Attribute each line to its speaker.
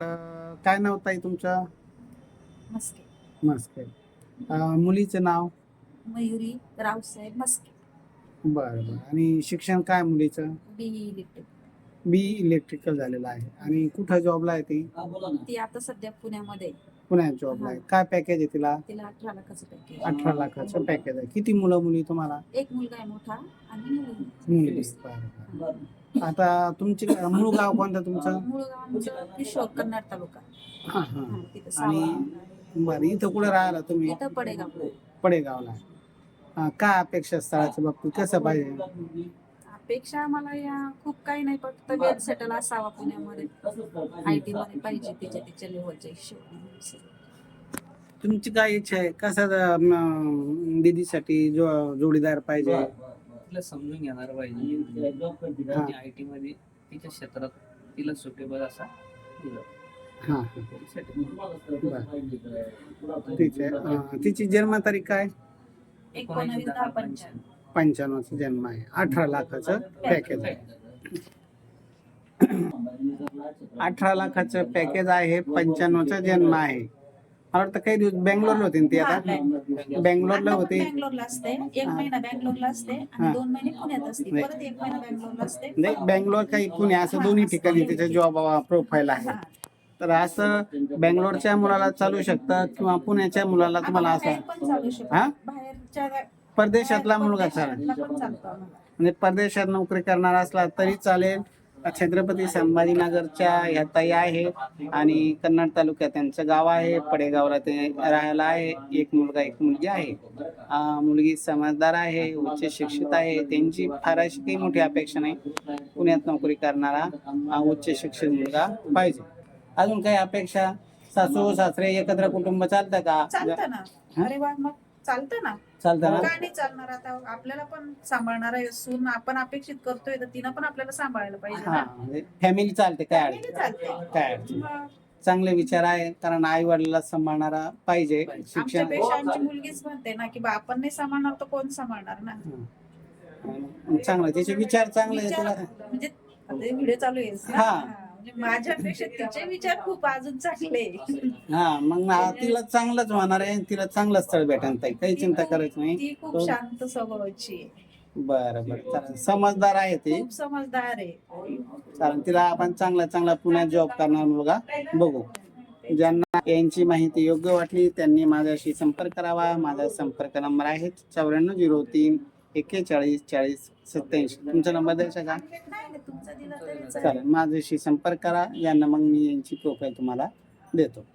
Speaker 1: काय नाव ताई तुमचं?
Speaker 2: मस्के.
Speaker 1: मस्के. मुलीचं नाव?
Speaker 2: मयुरी रावसाहेब मस्के.
Speaker 1: बरं बरं. आणि शिक्षण काय मुलीचं?
Speaker 2: BE electric.
Speaker 1: बी इलेक्ट्रिकल झालेलं आहे. आणि कुठं जॉबला आहे ती?
Speaker 2: ती आता सध्या पुण्यामध्ये आहे.
Speaker 1: पुण्यात जॉबला आहे. काय पॅकेज आहे तिला?
Speaker 2: तिला 18 लाखाचं पॅकेज.
Speaker 1: 18 लाखाचं पॅकेज आहे. किती मुलं मुली तुम्हाला?
Speaker 2: एक मुलगा आहे मोठा आणि मुलगी.
Speaker 1: मुलगी. बरं बरं. आता तुमची मूळ गाव कोणतं तुमचं?
Speaker 2: मूळ गाव आमचं किशोर, कन्नड तालुका.
Speaker 1: हां हां.
Speaker 2: तिथं
Speaker 1: आणि
Speaker 2: सावा.
Speaker 1: बरं, इथं कुठं राहिला तुम्ही?
Speaker 2: इथं पडेगाव.
Speaker 1: पडेगावला. काय अपेक्षा स्थळाच्या बाबतीत कसं पाहिजे?
Speaker 2: अपेक्षा आम्हाला या खूप काही नाही, फक्त वेल सेटल असावा पुण्यामध्ये. IT मध्ये पाहिजे तिच्या लेवलच्या हिशोबाने.
Speaker 1: तुमची काय इच्छा आहे? कसा दीदीसाठी जोडीदार पाहिजे?
Speaker 3: तिला समजून घेणार पाहिजे. IT मध्ये तिच्या क्षेत्रात तिला सुटेबल असा दिला.
Speaker 1: हां ठीक आहे. तिची जन्मतारीख काय?
Speaker 2: 19/10/95.
Speaker 1: 95चा जन्म आहे. 18 लाखाचं पॅकेज आहे. 18 लाखाचं पॅकेज आहे. 95चा जन्म आहे. मला वाटतं काही दिवस बँगलोरला होते ती. आता बँगलोरला होते.
Speaker 2: बँगलोरला असते. 1 महिना बँगलोरला असते आणि 2 महिने पुण्यात असते. परत 1 महिना बँगलोरला असते.
Speaker 1: नाही, बँगलोर काही पुणे असं दोन्ही ठिकाणी तिचं जॉब प्रोफाईल आहे. तर असं बँगलोरच्या मुलाला चालू शकतं किंवा पुण्याच्या मुलाला तुम्हाला असं
Speaker 2: बाहेरच्या
Speaker 1: परदेशातला मुलगा चालेल. म्हणजे परदेशात नोकरी करणारा असला तरी चालेल. छत्रपती संभाजीनगरच्या ह्या ताई आहे आणि कन्नड तालुक्यात त्यांचं गाव आहे. पडेगावला ते राहायला आहे. एक मुलगा एक मुलगी आहे. मुलगी समजदार आहे, उच्च शिक्षित आहे. त्यांची फार अशी काही मोठी अपेक्षा नाही. पुण्यात नोकरी करणारा उच्च शिक्षित मुलगा पाहिजे. अजून काही अपेक्षा? सासू सासरे एकत्र कुटुंब चालतं का?
Speaker 2: चालतं ना. अरे वा, मग चालतं ना.
Speaker 1: चालतं ना.
Speaker 2: काय नाही चालणार? आता आपल्याला पण सांभाळणार आहे सून. आपण अपेक्षित करतोय तर तिनं पण आपल्याला सांभाळायला पाहिजे
Speaker 1: हा,
Speaker 2: ना.
Speaker 1: म्हणजे फॅमिली चालते. काय
Speaker 2: Family चालते.
Speaker 1: काय अडचण?
Speaker 2: मग
Speaker 1: चांगले विचार आहे. कारण आई वडिलाला सांभाळणारा पाहिजे. शिक्षण
Speaker 2: आमच्यापेक्षा आमची मुलगीच म्हणते ना की बा आपण नाही सांभाळणार तर कोण सांभाळणार ना.
Speaker 1: चांगलं, त्याचे विचार चांगले आहेत.
Speaker 2: विचार म्हणजे आता व्हिडिओ चालू आहे ना.
Speaker 1: हा.
Speaker 2: म्हणजे माझ्यापेक्षा तिचे विचार खूप अजून चांगले.
Speaker 1: हा, मग तिला चांगलंच होणार आहे. तिला चांगलं स्थळ भेटणार ताई, काही चिंता करायची नाही.
Speaker 2: ती खूप शांत स्वभावाची आहे.
Speaker 1: बरं बरं, चालेल. समजदार आहे ती.
Speaker 2: खूप समजदार आहे.
Speaker 1: चालेल, तिला आपण चांगला पुण्यात जॉब करणार मुलगा बघू. ज्यांना यांची माहिती योग्य वाटली त्यांनी माझ्याशी संपर्क करावा. माझा संपर्क नंबर आहे 9403 41 40 87. तुमचा नंबर द्यायचा का?
Speaker 2: नाही, तुमचा दिला तरी
Speaker 1: चालेल, माझ्याशी संपर्क करा. यांना मग मी यांची प्रोफाईल तुम्हाला देतो.